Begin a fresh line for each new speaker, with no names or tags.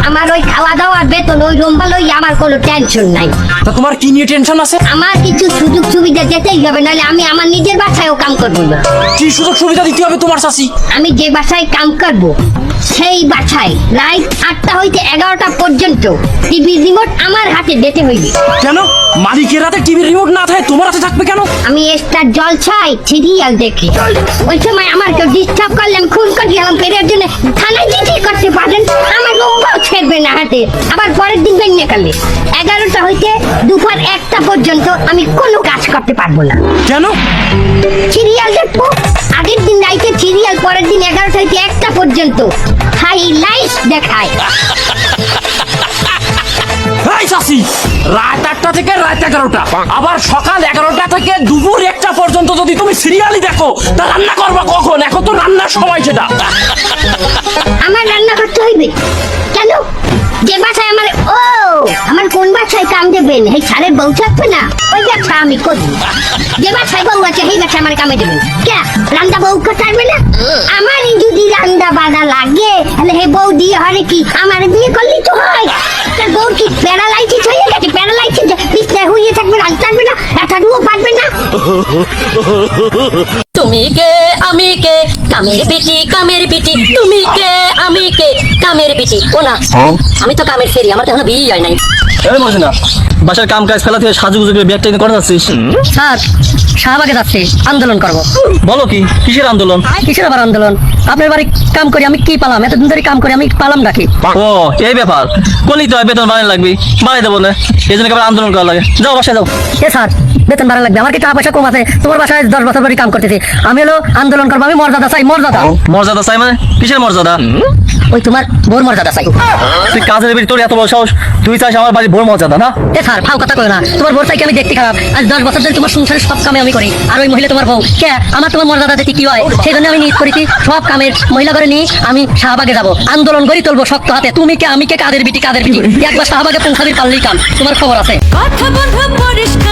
আমার ওই খাওয়া দাওয়া বেতন ওই রুম ভালোই, আমার কোনো টেনশন নাই।
তা তোমার কি নিয়ে টেনশন আছে?
আমার কিছু সুযোগ সুবিধা যেতেই হবে, নাহলে আমি আমার নিজের বাসায়ও কাম করবো না।
কি সুযোগ সুবিধা দিতে হবে তোমার চাচি?
আমি যে বাসায় কাম করব সেই বাসায় রাত 8টা হইতে 11টা পর্যন্ত টিভি রিমোট আমার হাতে দিতে হইবে।
কেন? মালিকের হাতে টিভির রিমোট না থাকে তোমার হাতে থাকবে কেন?
আমি স্টার জলছাই সিরিয়াল দেখি, ওই সময় আমার কেউ ডিস্টার্ব করলে আমি খুন করে গেলাম পেরের জন্য থানায় চিঠি করতে পারেন, আমার রুমটাও ছেড়বে না হাতে। আবার পরের দিন বেরিয়ে গেলে 11টা হইতে দুপুর 1টা পর্যন্ত আমি কোনো কাজ করতে পারবো না।
কেন?
সিরিয়াল দেখবো, আগের দিন রাইতে সিরিয়াল, পরের দিন 11টা হইতে 1টা পর্যন্ত হাইলাইট দেখায়।
এই চাচি, রাত 8টা থেকে রাত 11টা, আবার সকাল 11টা থেকে দুপুর 1টা পর্যন্ত যদি তুমি সিরিয়ালই দেখো, তা রান্না করবা কখন? এখন তো রান্নার সময় সেটা।
আমার রান্না করতে হইবে কেন? যে বাসায় আমার কোন বাসায় কাম দেবেন? এই সারের বউ থাকবে না, ওই ব্যবসা আমি করি। যে বাসায় বউ আছে সেই বাসায় আমার কামে দেবেন কে? রান্না বউ করতে না? আমারই যদি রান্না বাড়া লাগে তাহলে হে বউ দিয়ে হরে কি আমার বিয়ে করলেই তো হয়। তার বউ কি প্যারালাইসিস হয়ে গেছে? প্যারালাইসিস বিছনায় হয়ে থাকবে, রান্না পারবে না, এতটুকু পারবে না।
তুমি কে আমি কে কামের পিটি কামের পিটি, তুমি কে আমি কে কামের পিটি। ও না, আমি তো কামের ফেরি, আমার তো এখনো বিয়ে হয় নাই।
এই মজনা, বাসার কাম কাজ ফেলা থেকে সাজুগুজু করে ব্যাগটা নিয়ে করে যাচ্ছিস?
স্যার, শাহবাগে যাচ্ছি, আন্দোলন করবো।
বলো কি, কিসের আন্দোলন?
কিসের আবার আন্দোলন? আপনার বাড়ি কাম করি আমি কি পালাম? এতদিন ধরে কাম করি আমি পালাম নাকি?
ও এই ব্যাপার, কোনই তো বেতন বাড়ানো লাগবে, বাড়াই দেবো না, এই জন্য আবার আন্দোলন করা লাগে। যাও বাসায় যাও।
এ স্যার, বেতন বাড়া লাগবে, আমার কি টাকা পয়সা কম আছে? তোমার বাসায় 10 বছর ধরে কাম করতেছি, আমি হলো আন্দোলন করবো, আমি মর্যাদা চাই, মর্যাদা।
মর্যাদা চাই মানে? কিসের মর্যাদা?
ওই তোমার বোর মর্যাদা চাই।
তুই কাজের বেরি, তোর এত বড় সাহস, তুই চাস আমার বাড়ির বোর মর্যাদা না?
এ স্যার, ফাও কথা কই না, তোমার বোর চাইকে আমি দেখতে খারাপ। আজ 10 বছর ধরে তোমার সংসারের সব কামে আমি করি, আর ওই মহিলা তোমার বউ কে? আমার তোমার মর্যাদা দেখি কি হয়, সেই জন্য আমি নিজ করেছি সব কামের মহিলা করে নিয়ে আমি শাহবাগে যাবো, আন্দোলন করি তুলবো শক্ত হাতে। তুমি কে আমি কে, কাদের বিটি কাদের বিটি, একবার শাহবাগে পৌঁছাবি পারলেই কাম, তোমার খবর আছে।
কথা বন্ধ পরিষ্কার।